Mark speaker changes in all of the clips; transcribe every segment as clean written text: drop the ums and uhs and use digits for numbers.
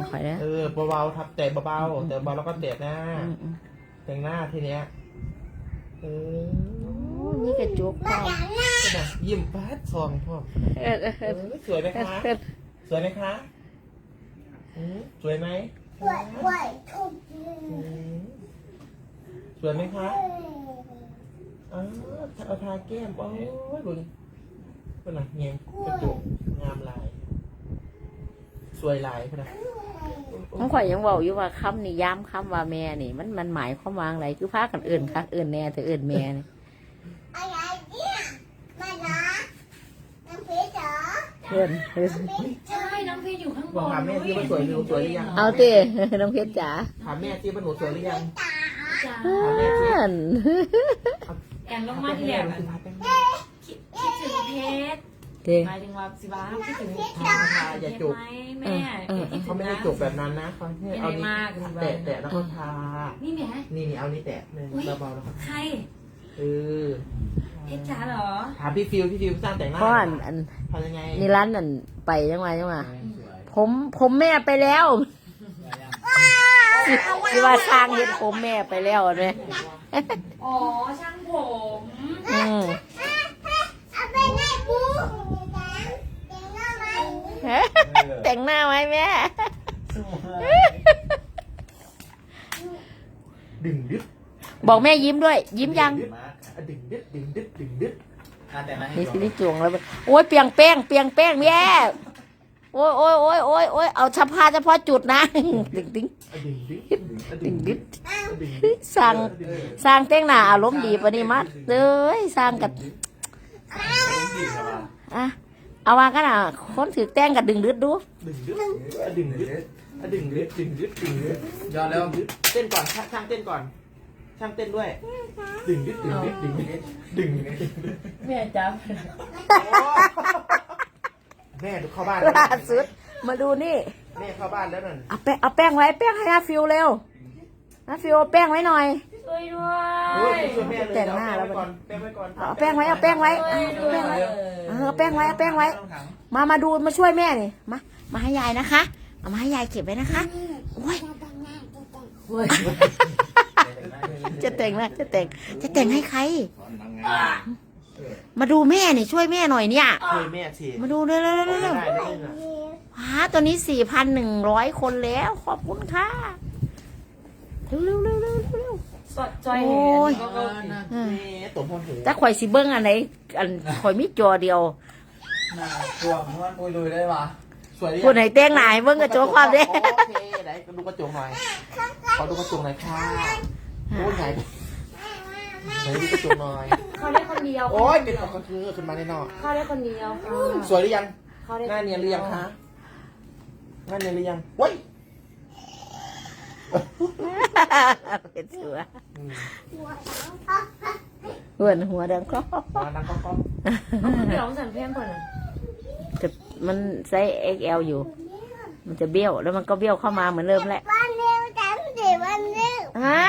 Speaker 1: ค่อยนะ
Speaker 2: เบาๆทับแต่เบาๆแต่เบาแล้วก็เตะหน้าแต่งหน้าทีเนี้ย
Speaker 1: นี่กระจุกพ่อ
Speaker 2: ยิ้มแป๊ดซองพ่อสวยไหมคะสวยไหมคะสวยไหมสวยไหมคะเอาทาแก้มโอ้ยบุญเป็นไรเงี้ยกระจุกงามลายสวยลายพนะ
Speaker 1: น้องข่อยยังบอกอยู่ว่าคำนี่ย้ำคำว่าแม่นี่มันหมายความว่าอะไรคือพากันอื่นค่ะอื่นแน่แต่อื่นแม่นี่เพื่อน
Speaker 3: ใช่น้องเพชรอยู่ข้างบน
Speaker 2: ถามแม่ที่ว่าสวยหรือหรือยัง
Speaker 1: เอาเต้น้องเพชรจ๋า
Speaker 2: ถามแม่ที่ว่าหนูสวยหรือยัง
Speaker 1: เพื่อน
Speaker 3: กันลงมาที่แหลมคิดถึงเพชรหมายถึงว่าสิบ้าคิดถึงเพชร
Speaker 2: อย่าจุก
Speaker 3: แม่
Speaker 2: เขาไม่ได้จุกแบบนั้นนะเขาเอานี้แตะแล้วก็ทา
Speaker 3: นี่แม่
Speaker 2: นี่เอานี้แตะเบาๆแล้วก็
Speaker 3: ใครเพชรจ๋าเหรอ
Speaker 2: ถามพี่ฟิวสร้างแต่งหน้า
Speaker 1: เพราะ
Speaker 2: ทำยังไง
Speaker 1: นี่ร้านนั่นไปยังไงผมแม่ไปแล้วที่ว่าสร้างเห็นผมแม่ไปแล้วไหม
Speaker 3: อ๋อช่างผม
Speaker 1: แต่งหน้าไหมแม่
Speaker 2: ดึงดึ๊ด
Speaker 1: บอกแม่ยิ้มด้วยยิ้มยัง
Speaker 2: ดึงดึ๊ด
Speaker 1: นี่สิริจวงแล้วโอ้ยเปียงแป้งแม่โอ้ยเอาเฉพาะจุดนะดึงสร้างแต่งหน้าอารมณ์ดีปะนี่มัดเลยสร้างกันเอาวางกันคนถือแต่งกับดึงดึดดู
Speaker 2: ยอดแล้วเต้นก่อนช่างเต้นก่อนช่างเต้นด้วยดึง
Speaker 1: แม่จับ
Speaker 2: แม่ดูเข้าบ้าน
Speaker 1: ล่าสุดมาดูนี่
Speaker 2: แม่เข้าบ้านแล้วนั่น
Speaker 1: เอาแป้งไว้แป้งให้อาฟิวเร็วอาฟิวแป้งไว้หน่อย
Speaker 3: ช่วยด้วย
Speaker 1: แต่งหน้าแล้ว
Speaker 2: แป้งไว้ก่อน
Speaker 1: เอาแป้งไว้เอาแป้งไว้มาดูมาช่วยแม่นี่มาให้ยายนะคะเอามาให้ยายเก็บไว้นะคะโอ้ยจะแต่งให้ใครมาดูแม่นี่ช่วยแม่หน่อยเนี่ย
Speaker 2: ช่วยแม่สิ
Speaker 1: มาดูเร็วตัวนี้4,100 คนแล้วขอบคุณค่ะเร็ว
Speaker 3: สดจอยเ
Speaker 2: ห็นตัวพนหู
Speaker 1: ถ้าข่อยสิเบิ้งอันไหนข่อยมีจอเดียว
Speaker 2: ตัวมันปุยลุยได้ปะสวย
Speaker 1: คนไหนแต่งหน้าเบิ้งกระจกความเด้
Speaker 2: โอเคไหนดูกระจกหน่อยขอดูกระจกหน่อยค่ะโอ้ยไหนดูกระจกหน่อย
Speaker 3: เขาได้คนเดียว
Speaker 2: โอ้ยเป็นคนคือขึ้นมาแน่นอน
Speaker 3: เขาได้คนเดียว
Speaker 2: สวยหรือยังหน้าเนียนหรือยังคะหน้าเนียนหรือยังว้ย
Speaker 1: เป็นเสือหัวดังก็
Speaker 3: เดี๋ยวสั่นเพี้ยนก่อน
Speaker 1: จะมันไซส์ XL อยู่มันจะเบี้ยวแล้วมันก็เบี้ยวเข้ามาเหมือนเริ่มแหละฮะ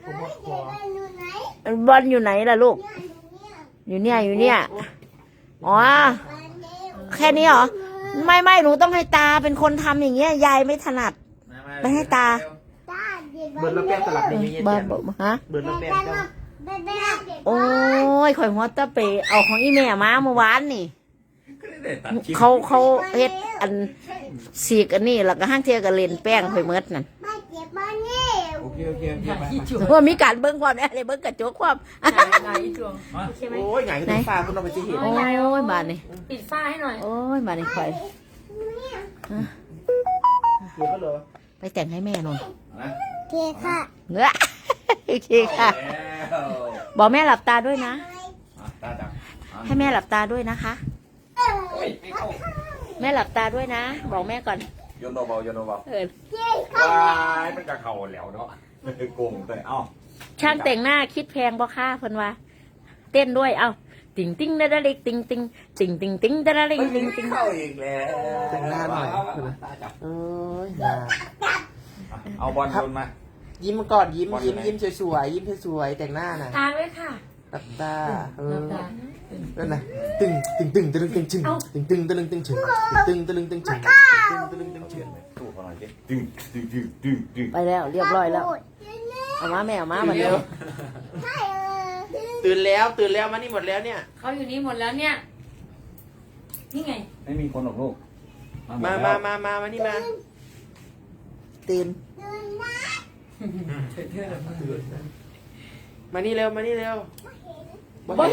Speaker 1: บอลอยู่ไหนล่ะลูกอยู่เนี่ยอ๋อแค่นี้เหรอไม่หนูต้องให้ตาเป็นคนทำอย่างเงี้ยยายไม่ถนัดไม่ให้ตา
Speaker 2: เบิร์นแล้วแป้งสลับในนี้
Speaker 1: เบิร์นฮะ
Speaker 2: เบิร์นแล้วแป้ง
Speaker 1: โอ้ยข่อยหัวตะเปเอาของอีแม่มาเมื่อวานนี่เขาเฮ็ดอันสีกอันนี้แล้วก็ห้างเทียกับเลนแป้งข่อยเมิดนั่น
Speaker 2: โอเค
Speaker 1: ว่ามีการเบิ้งความอะไรเบิ้งกระจกความ
Speaker 2: โอ้ยไงก็ต้องฟ้าคุณเอาไปจีเห็น
Speaker 1: โอ้ยบานนี่
Speaker 3: ปิดฝ้าให้หน่อย
Speaker 1: โอ้ยบานนี่ข่อยไปแต่งให้แม่หน่อย
Speaker 4: โอเคค่ะ
Speaker 1: โอเคค่ะบอกแม่หลับตาด้วยนะให้แม่หลับตาด้วยนะคะแม่หลับตาด้วยนะบอกแม่ก่อน
Speaker 5: โยนเบาว้ายมันจะเข่าแล้วเนาะโกงแต่เอ้า
Speaker 1: ช่างแต่งหน้าคิดแพงบ่ค่าเพิ่นว่าเต้นด้วยเอ้าติ่งติ่งดาดาลิกติ่งติ่งติ่งติ่งติ่งดาดาลิกติ่งติ่ง
Speaker 5: เข้าอีกแล้ว
Speaker 2: แต่งหน้าหน่อยโอ้ย
Speaker 5: เอาบอลโยนมา
Speaker 2: ยิ้มก่อนยิ้มสวยยิ้มสวยแต่งหน้าน่ะ
Speaker 3: ตาด้วยค่ะ
Speaker 2: ตับตานั่นน่ะตึงตึงชึงตึงตึงตึงชึงถูกขนาดนี้
Speaker 5: ดึงดึงดึงดึงดึง
Speaker 1: ไปแล้วเรียบร้อยแล้วเอามาแม่เอามามาเร็ว
Speaker 2: ตื่นแล้วมานี่หมดแล้วเนี่ย
Speaker 3: เขาอยู่นี่หมดแล้วเนี่ยนี่ไง
Speaker 5: ไม่มีคนหรอกลูก
Speaker 2: มานี่มา
Speaker 1: ตื่น
Speaker 2: มานี่เร็ว
Speaker 1: บ่เห็น
Speaker 2: บ่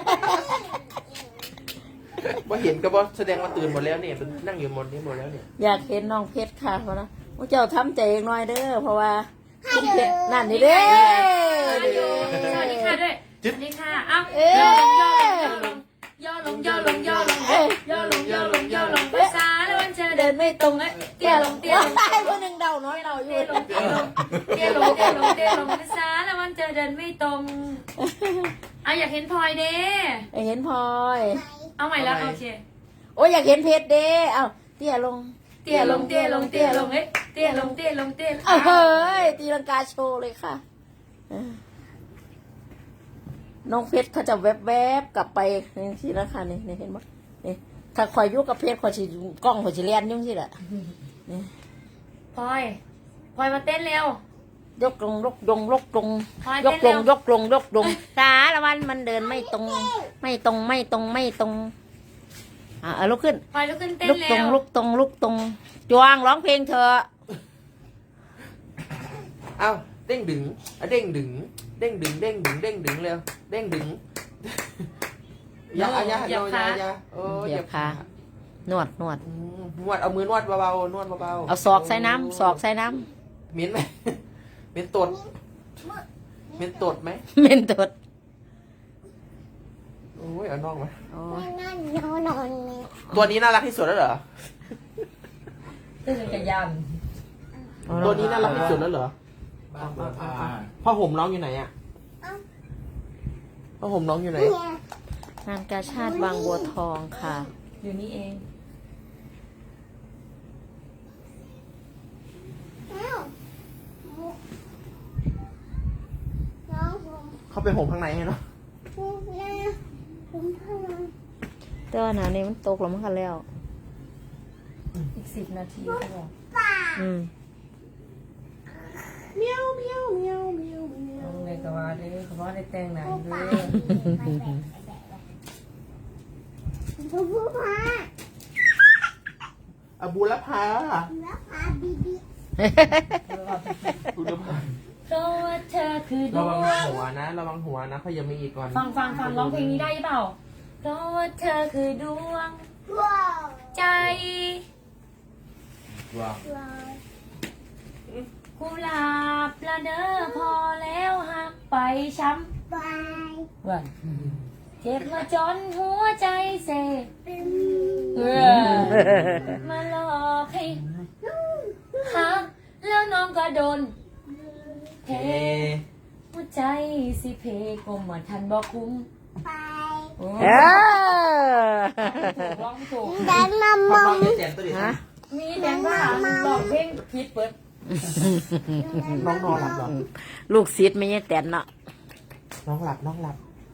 Speaker 2: เห็นก็บ่แสดงว่าตื่นหมดแล้วเนี่ยมันนั่งอยู่หมดนี่หมดแล้วเนี่ย
Speaker 1: อยากเห็นน้องเพชรค่ะเพราะนะพวกเจ้าทำใจเองหน่อยเด้อเพราะว่าคุณเพชรนั่นนี่เด้
Speaker 3: สวัสดีค่ะด้วยสวัสดีค่ะอ้าว
Speaker 1: เอ๊ะ
Speaker 3: ย่อลงย่อลงย่อลงย่อลงย่อลงย่อลงภาษาแล้ววันเธอเดินไม่ตรงเอ้ยเตี้ยลงเตี้ยลง
Speaker 1: ตายคนหนึ่งเดาน้อยเราอยู่
Speaker 3: เตี้ยลงเตี้ยลงเตี้ยลงเตี้ยลงเตี้ยลงภาษาแล้ววันเธอเดินไม่ตรงเอาอยากเห็นพลอยเด้
Speaker 1: อยากเห็นพลอย
Speaker 3: เอาใหม่แล้วโอเค
Speaker 1: โอ้ยอยากเห็นเพชรเด้เอาเตี้ยลง
Speaker 3: เตี้ยลงเตี้ยลงเตี้ยลงเอ้ยเตี้ยลงเตี้ยลงเตี้ย
Speaker 1: เอาเฮ้ยตีลังกาโชว์เลยค่ะน้องเพชรเขาจะแวบๆกลับไปนี่สินะคะนี่เห็นไหมนี่ถ้าคอยยุ่กับเพชรคอยสิกล้องคอยสิเลียนยุ่งสิแหละ
Speaker 3: พลอยพลอยมาเต้นเร็วย
Speaker 1: กลงยกลงยกลง
Speaker 3: พลอย
Speaker 1: ย
Speaker 3: เต้
Speaker 1: ก
Speaker 3: น
Speaker 1: ล
Speaker 3: เร็
Speaker 1: ง
Speaker 3: วย
Speaker 1: กลงยกลงสารวันมันเดินไม่ตรง ไม่ตรงไม่ตรงไม่ตรงลุกขึ้น
Speaker 3: พลอยลุกขึ้นเต้น
Speaker 1: ลุกตร
Speaker 3: เร็
Speaker 1: ง
Speaker 3: ว
Speaker 1: ลุกตรงลุกตรงจวงร้องเพลงเธอะ
Speaker 2: เอ้าเด้งดึงเด้งดึงเด้งดึงเด้งดึงเด้งดึงเร็วเด้งดึงอย่าโอ้ย
Speaker 1: เหยียบขานวดนวด
Speaker 2: นวดเอามือนวดเบาๆนวดเบาๆ
Speaker 1: เอาศอกใส่น้ำศอกใส่น้
Speaker 2: เหม็นไหมเหม็นตดเหม็นตดไหม
Speaker 1: ำเม่นตด
Speaker 2: โอ้ยเอาน้องมา
Speaker 1: โอ้ย
Speaker 2: ตัวนี้น่ารักที่สุดแล้วเหรอ
Speaker 3: ตื่นจักรยาน
Speaker 2: ตัวนี้น่ารักที่สุดแล้วเหรอผ้าห่มน้องอยู่ไหนอ่ะผ้าห่มน้องอยู่ไหน
Speaker 1: งานกาชาติบางบัวทองค่ะ
Speaker 3: อยู่นี่เอง
Speaker 2: เขาไปห่มข้างในให้เนาะ
Speaker 1: แต่ว่าหนานี้มันตกแล้วมันกันแล้ว
Speaker 3: อีก10 นาทีเขาบอก
Speaker 2: เมียวเมียวเมียวเมียวเมียว
Speaker 3: เอาเลยก็ว่าเด้อเขาบอกได้แต่งหนังเด้อ
Speaker 2: อบูรพาบูรพา
Speaker 3: เพราะว่าเธอคือด
Speaker 2: ระ
Speaker 3: ว
Speaker 2: วัง
Speaker 3: ง
Speaker 2: หัวนะระวังหัวนะเขายังมีอีกก่อน
Speaker 3: ฟังร้องเพลงนี้ได้หรือเปล่าเพราะว่าเธอคือดวงใจ
Speaker 5: ว้าว
Speaker 3: กุหลาบละเด้อพอแล้วหักไปช้ำว่าเจ็บมาจนหัวใจเสกมาหลอกให้หักแล้วน้องก็โดนเท หัวใจสิเพกลมเหมือนทันบอกคุ้ม
Speaker 1: เออ
Speaker 3: ร้องถูก
Speaker 2: พ่อน้องจะแจมตัวดิ
Speaker 1: ฮะ
Speaker 3: มีแดงว่าร้องเพลงผิดเปิด
Speaker 2: น้องนอนหลับเหรอ
Speaker 1: ลูกศิษย์ไม่ใช่แตนเนาะ
Speaker 2: น้องหลับน้องหลับ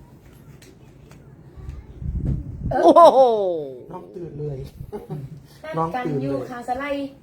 Speaker 1: โอ้โห
Speaker 2: น้องตื่นเลย
Speaker 3: นัดกันอยู่คาสไล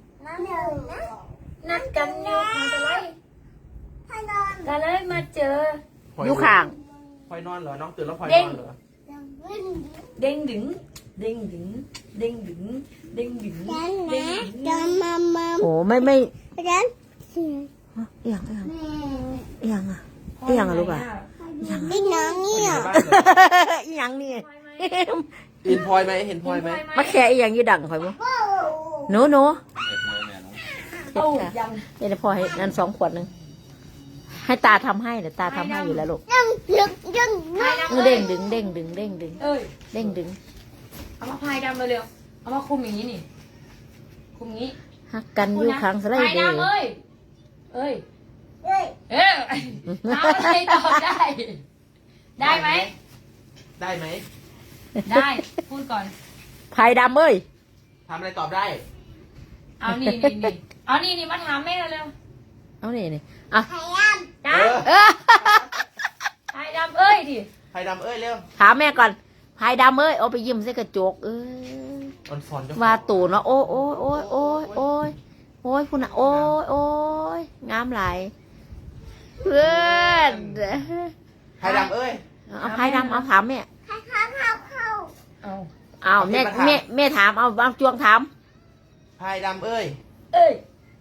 Speaker 3: นัดกันอยู่คาสไลก็เลยมาเจอ
Speaker 1: อยู่ข้าง
Speaker 2: พลอยนอนเหรอน้องตื่นแล้วพลอยนอนเหรอ
Speaker 3: เด้งดึงเด้งดึงเด้งดึงเด้งดึงเด้งดึง
Speaker 1: โอ้ไม่เอียงเอียงเอียงอ่ะเอียงอ่ะลูกอ่ะเอียง
Speaker 2: อยู่ในบ้านเหรอ
Speaker 1: เอียงนี่
Speaker 2: เห็นพลอยไหมเห็นพลอยไหม
Speaker 1: มาแค่เอียงยี่ดังข่อยบ่หนู
Speaker 5: เด็กเลยแม่น้อง
Speaker 1: เฮ็ดค่ะ
Speaker 3: ยัง
Speaker 1: เดี๋ยวพอให้นั่น2 ขวดนึงให้ตาทำให้เดี๋ยวตาทำให้อยู่แล้วลูกเด้งดึงเด้งดึงเด้งดึง
Speaker 3: เอ้ย
Speaker 1: เด้งดึง
Speaker 3: เอามาพายดำเร็วๆเอามาคุมอย่างนี้นี่คุมอย่างนี้
Speaker 1: ฮักกันอยู่ข้างสไล
Speaker 3: พาย
Speaker 1: เดอร์
Speaker 3: ดำเอ้ยเอ้ยเอาอะไรตอบได้ ได้ไหม
Speaker 2: ได้ไหม
Speaker 3: ได้พูดก่อน
Speaker 1: พายดำเอ้ย
Speaker 2: ทำอะไรตอบได้
Speaker 3: เอานี่เอานี่มาถามแม่เร็ว
Speaker 1: เอานี่อ่ะ
Speaker 3: ๆจ้า
Speaker 1: เออ
Speaker 3: พายดำเอ้ยดิ
Speaker 2: พายดำเอ้ยเร็ว
Speaker 1: ถามแม่ก่อนพายดำเอ้ยเอาไปยิ้มใส่กระจก
Speaker 2: อ่อนสอน
Speaker 1: ว่าตู่เนาะโอ้ยโอ้ยคุณอ่ะโอ้ยโอ้ยงามหลายเพื่อน
Speaker 2: ไผ่ดำเอ้ย
Speaker 1: เอาไพ่ดำเอาถามแม่
Speaker 3: เอา
Speaker 1: เอาแม่แม่ถามเอาจวงถาม
Speaker 2: ไผ่ดำเอ้ย
Speaker 3: เอ้ย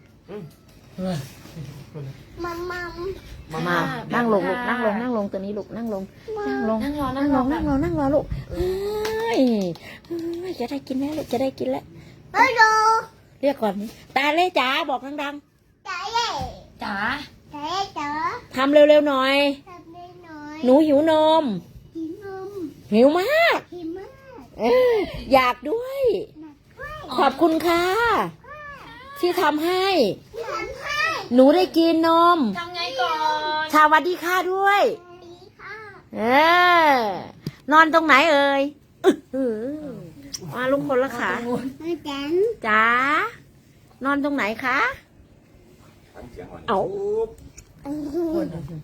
Speaker 2: มา
Speaker 1: มานั่งลงลูกนั่งลงตัวนี้ลูกนั่งลงนั่งลง
Speaker 3: นั่งรอ
Speaker 1: นั่งลงนั่งรอลูกเฮ้ยจะได้กินแล้วลูกจะได้กินแล้วเรียกก่อนตาเล่จ๋าบอกดัง
Speaker 3: จ๋า
Speaker 1: ๆทำเร็วๆหน่อย หนูหิวนมหิวมากอยากด้วย ขอบคุณค่ะที่ทำให้ หนูได้กินนม
Speaker 3: ทำไงก่อน
Speaker 1: สวัสดีค่ะด้วยนอนตรงไหนเอ่ยมาลุงคนละขาจ๋านอนตรงไหนคะ
Speaker 5: ทำเสียงอ่อน
Speaker 1: เอา